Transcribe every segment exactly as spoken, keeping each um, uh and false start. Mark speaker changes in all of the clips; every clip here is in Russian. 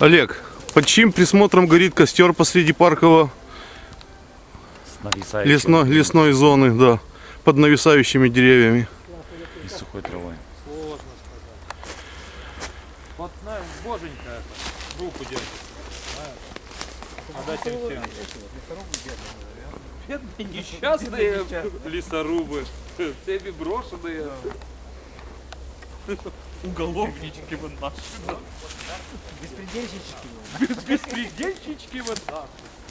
Speaker 1: Олег, под чьим присмотром горит костер посреди паркового лесной, лесной зоны, да, под нависающими деревьями?
Speaker 2: И сухой травой.
Speaker 3: Сложно сказать. Вот, знаешь, боженька руку держит. Отдать им всем. Бедные, несчастные лесорубы. Всеми брошенные. Уголовнички вот наши.
Speaker 4: Беспредельщички.
Speaker 3: Беспредельщички вот наши.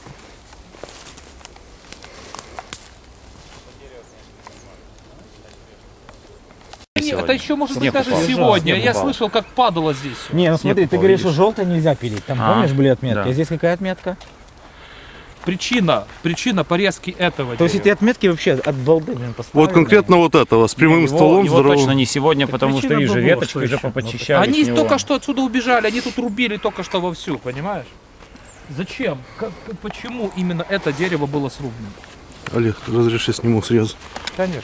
Speaker 3: Это еще может быть даже сегодня. Я слышал, как падало здесь.
Speaker 4: Не, ну смотри, ты говоришь, что желтое нельзя пилить. Там,
Speaker 2: А,
Speaker 4: помнишь, были отметки?
Speaker 2: да.
Speaker 4: А здесь какая отметка?
Speaker 3: Причина, причина порезки этого
Speaker 4: То есть
Speaker 3: дерева.
Speaker 4: эти отметки вообще от балды, блин, поставлены.
Speaker 1: Вот конкретно вот этого, с прямым
Speaker 2: его,
Speaker 1: стволом
Speaker 2: его
Speaker 1: здоровым.
Speaker 2: точно не сегодня, потому что
Speaker 4: причина
Speaker 2: их же
Speaker 4: была,
Speaker 2: веточки
Speaker 4: что
Speaker 2: уже
Speaker 4: еще?
Speaker 2: поподчищали.
Speaker 3: Они
Speaker 2: с него.
Speaker 3: только что отсюда убежали, они тут рубили только что вовсю, понимаешь? Зачем? Как, почему именно это дерево было срублено?
Speaker 1: Олег, разреши сниму срез.
Speaker 3: Конечно.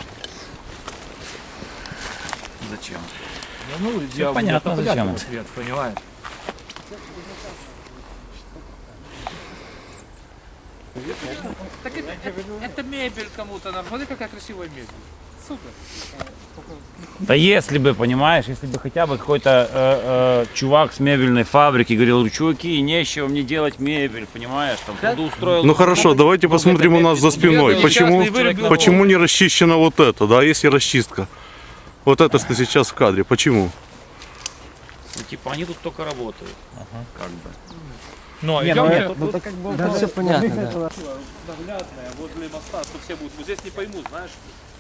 Speaker 2: Зачем?
Speaker 3: Ну,
Speaker 2: Всё понятно, зачем.
Speaker 3: Ответ, понимаешь? Так это, это, это мебель кому-то надо. Смотри, какая красивая мебель. Супер.
Speaker 2: Да если бы, понимаешь, если бы хотя бы какой-то э, э, чувак с мебельной фабрики говорил, чуваки, нечего мне делать мебель, понимаешь, там, трудоустроил.
Speaker 1: Ну хорошо, давайте посмотрим у нас за спиной. Почему, почему не расчищена вот это, да, если расчистка? Вот это, что сейчас в кадре, почему?
Speaker 2: Ну, типа, они тут только работают, как бы.
Speaker 3: Но
Speaker 4: Не,
Speaker 3: идем,
Speaker 4: ну
Speaker 3: я-
Speaker 4: это- ну, это как бы...
Speaker 5: Да, все понятно, да.
Speaker 3: наглядная возле моста, что все будут. Вот здесь не поймут, знаешь.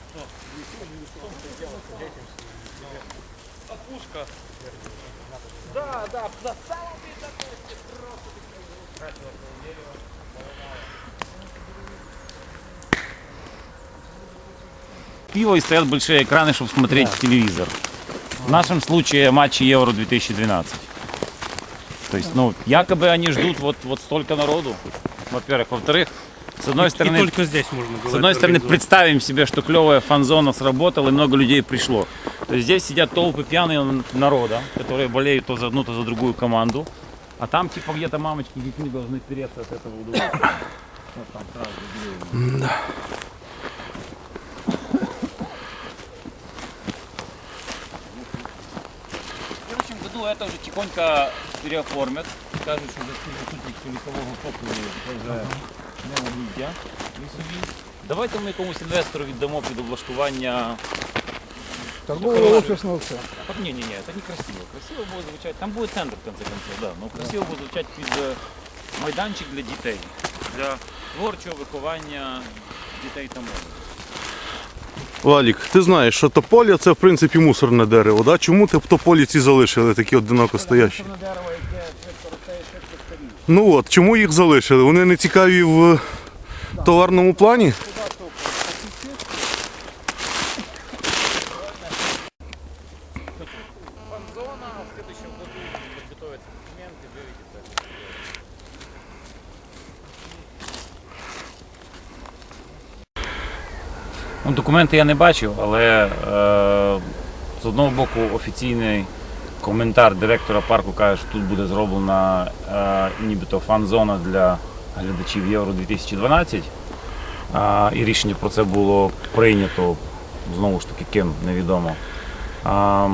Speaker 3: Опушка. Да, да, за самым
Speaker 2: Пиво и стоят большие экраны, чтобы смотреть телевизор. В нашем случае матчи Евро две тысячи двенадцать. То есть, ну, якобы они ждут вот, вот столько народу, во-первых. Во-вторых, с одной стороны,
Speaker 3: только здесь можно
Speaker 2: с одной стороны, представим себе, что клевая фан-зона сработала и много людей пришло. То есть здесь сидят толпы пьяные народа, которые болеют то за одну, то за другую команду. А там типа где-то мамочки с детьми должны переться от этого удовольствия. Вот там сразу видео. В следующем году это уже тихонько переоформят. Скажуть, що заступник лісового покою вже неволіддя лісові. Давайте ми якомусь інвестору віддамо під облаштування.
Speaker 5: Торгового офисного центра.
Speaker 2: Ні, ні, ні, це не красиво. Красиво буде звучати. Там буде центр в кінці кінців, да. Ну красиво буде звучати під е, майданчик для дітей, для творчого виховання дітей та молоді.
Speaker 1: Валік, ти знаєш, що тополя це в принципі мусорне дерево, да? Чому ти тополі ці залишили, такі одиноко стоящі? Ну от, чому їх залишили? Вони не цікаві в товарному плані?
Speaker 2: Фан-зона, в следующем году подготовятся документы, выведется. Ну, документи я не бачив, але е, з одного боку офіційний коментар директора парку каже, що тут буде зроблена е, нібито фан-зона для глядачів Євро дві тисячі дванадцять. Е, і рішення про це було прийнято, знову ж таки, ким, невідомо. Е,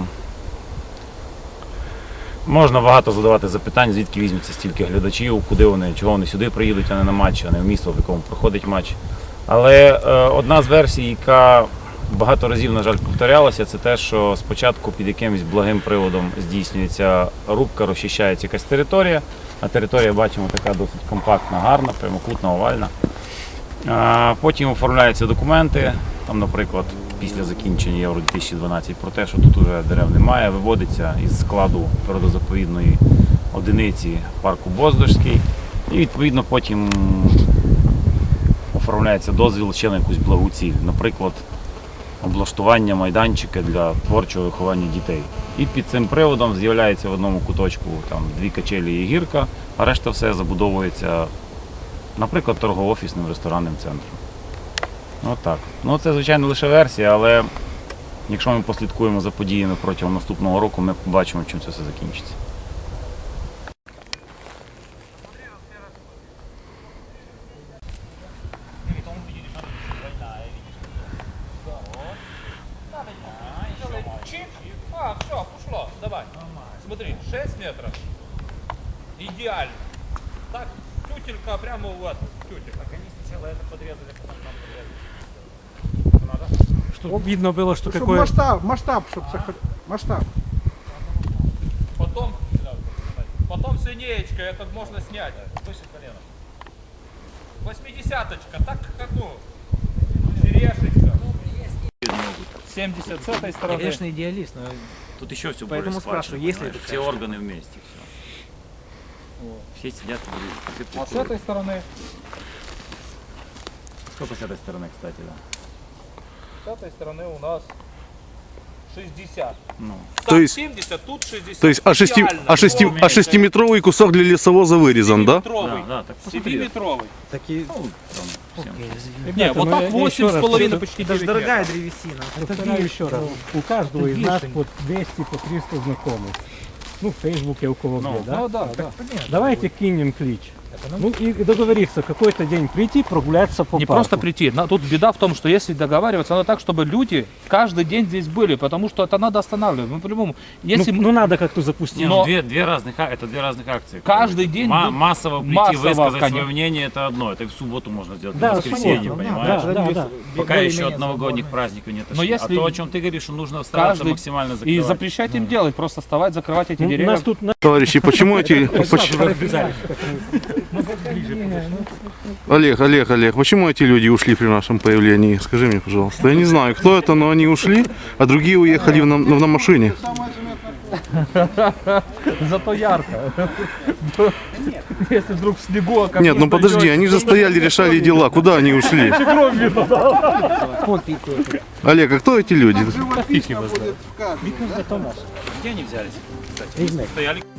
Speaker 2: можна багато задавати запитань, звідки візьметься стільки глядачів, куди вони, чого вони сюди приїдуть, а не на матч, а не в місто, в якому проходить матч. Але е, одна з версій, яка багато разів, на жаль, повторялася, це те, що спочатку під якимось благим приводом здійснюється рубка, розчищається якась територія, а територія, бачимо, така досить компактна, гарна, прямокутна, овальна. Е, потім оформляються документи, там, наприклад, після закінчення Євро дві тисячі дванадцять, про те, що тут вже дерев немає, виводиться із складу природозаповідної одиниці парку Боздожський, і відповідно потім оформляється дозвіл ще на якусь благу ціль, наприклад, облаштування майданчика для творчого виховання дітей. І під цим приводом з'являється в одному куточку там дві качелі і гірка, а решта все забудовується, наприклад, торгово-офісним ресторанним центром. От так. Ну це, звичайно, лише версія, але якщо ми послідкуємо за подіями протягом наступного року, ми побачимо, чим це все закінчиться.
Speaker 3: Вань, смотри, шесть метров. Идеально. Так, тютелька прямо в эту, тютелька.
Speaker 2: Так они сначала это подрезали, потом там подрезали. Надо?
Speaker 6: Чтобы видно было, что
Speaker 5: Чтобы
Speaker 6: какое...
Speaker 5: масштаб, масштаб, чтобы масштаб.
Speaker 3: Потом, потом с линеечкой этот можно снять.
Speaker 2: Выше колена.
Speaker 3: Восьмидесяточка, так как ну, черешечка. семьдесят с этой
Speaker 4: Я,
Speaker 3: стороны.
Speaker 4: конечно, идеалист, но
Speaker 2: Тут еще все
Speaker 4: Поэтому
Speaker 2: более скважина,
Speaker 4: спрашиваю, есть ли
Speaker 2: понимаешь?
Speaker 4: это
Speaker 2: Все
Speaker 4: качество?
Speaker 2: органы вместе. Все, все сидят. все
Speaker 3: А с
Speaker 2: приходят.
Speaker 3: этой стороны,
Speaker 2: Сколько с этой стороны, кстати, да?
Speaker 3: с этой стороны у нас шестьдесят.
Speaker 2: Ну.
Speaker 3: Там
Speaker 1: То есть-
Speaker 3: семьдесят, тут шестьдесят.
Speaker 1: То есть, а, шести,
Speaker 3: Идеально.
Speaker 1: а, шести, а шестиметровый кусок для лесовоза вырезан, да?
Speaker 3: Семиметровый.
Speaker 2: Да, да, так посмотри.
Speaker 3: Семиметровый.
Speaker 4: такие...
Speaker 2: Ну, там, всем.
Speaker 3: Не, вот
Speaker 6: ну,
Speaker 3: так
Speaker 6: я- я
Speaker 3: восемь
Speaker 6: еще
Speaker 3: с
Speaker 6: раз
Speaker 3: половиной,
Speaker 6: повторю,
Speaker 3: почти
Speaker 4: Это же
Speaker 3: девять
Speaker 4: дорогая
Speaker 3: метров.
Speaker 4: древесина.
Speaker 6: Повторяю еще раз. У каждого из нас по двести, по триста знакомых. Ну, в Фейсбуке у кого
Speaker 2: Ну,
Speaker 6: где, да?
Speaker 3: Ну да, да.
Speaker 6: Давайте кинем клич. Ну и и договориться, какой-то день прийти, прогуляться по
Speaker 3: Не
Speaker 6: парку.
Speaker 3: просто прийти. На- Тут беда в том, что если договариваться, надо так, чтобы люди каждый день здесь были, потому что это надо останавливать. Ну, по-любому, если
Speaker 6: ну, ну, надо как-то запустить.
Speaker 2: Не,
Speaker 3: Но-
Speaker 2: ну, две, две разных, а- это две разных акции.
Speaker 3: Каждый день
Speaker 2: Ма-
Speaker 3: будет-
Speaker 2: массово прийти,
Speaker 3: массово,
Speaker 2: высказать
Speaker 3: конечно.
Speaker 2: свое мнение, это одно. Это и в субботу можно сделать,
Speaker 6: Да,
Speaker 2: в
Speaker 6: в
Speaker 2: воскресенье,
Speaker 6: субботу,
Speaker 2: понимаешь?
Speaker 6: да, да, да.
Speaker 2: Пока еще от новогодних праздников не отошли.
Speaker 3: Но если
Speaker 2: А то, о чем ты говоришь, что нужно стараться
Speaker 3: каждый-
Speaker 2: максимально
Speaker 3: и
Speaker 2: закрывать.
Speaker 3: запрещать им делать, просто вставать, закрывать эти
Speaker 6: Ну,
Speaker 3: деревья.
Speaker 6: нас тут на-
Speaker 1: Товарищи, почему эти... поч- Олег, Олег, Олег, почему эти люди ушли при нашем появлении? Скажи мне, пожалуйста. Я не знаю, кто это, но они ушли, а другие уехали в на, на машине.
Speaker 3: Зато ярко. Если вдруг в снегу... а
Speaker 1: Нет, ну подожди, они же стояли, решали дела. Куда они ушли? Олег, а кто эти люди?
Speaker 5: Живописно будет в кадре.
Speaker 2: Где они взялись? Кстати, стояли